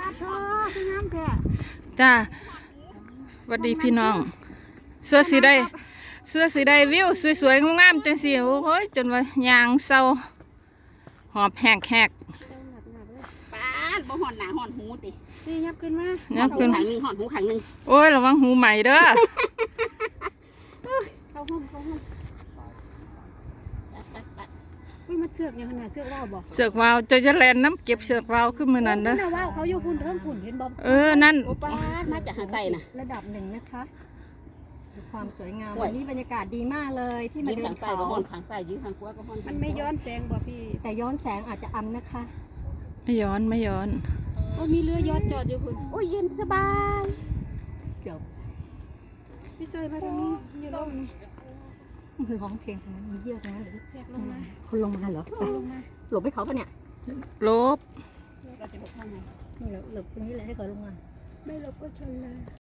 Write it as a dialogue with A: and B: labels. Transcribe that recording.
A: ท้อพี่น้ำแค่
B: จ้าสวัสดีพี่น้องเสื้อสีได้วิวสวยๆงามๆจังสิโอ้ยจนว่ายางเศร้าหอบแหก
C: ป้าดบ่หอนหนาหอนหูติ
A: นี่ยับขึ้นมา
B: ยับขึ้น
C: ขังหนึ่งหอนหูขังหนึ่ง
B: โอ้ยระวังหูใหม่เด้อ
A: เข้าห้องอุ้ยมันเสือกอย่างขนาดเสือกว่าวบอก
B: เสือกวาวจะแลนน้ำเก็บเสือกวาวขึ้นมือนั้นเด้อ
A: ว่าวเขาอยู่พุ่นเริ่มพุ่นเห็นบอม
B: นั่น
C: โอ้ป้าดมาจากหาไตน่ะ
A: ระดับหนึ่งนะคะดูความสวยงามวันนี้บรรยากาศดีมากเลยที่มา
C: ยืน
A: เดิ
C: ขั
A: น
C: งใส่
A: เขา
C: ก็หอนขังใส่ยืนขังขวาก็หอน
A: มันไม่ย้อนแสงบ่พี่แต่ย้อนแสงอาจจะอำนะคะ
B: ไม่ย้อน
A: โอ้มีเรือย้อนจอดอยู่พุ่น
C: โอ้ยเย็นสบาย
A: เกือบพี่ซอยมาทางนี้อยู่ลงนี่คือร้องเพลงตรงนั้นมีเยี่ยวตรงนั้นหรือแยกลงมาคนลงมาเหรอหลบให้เขาปะเนี่ย
B: ลบ
C: เราจะบอกว่าไง
A: นี่หลบตรงนี้เลยให้เขาลงมาไม่หลบก็ชนเลย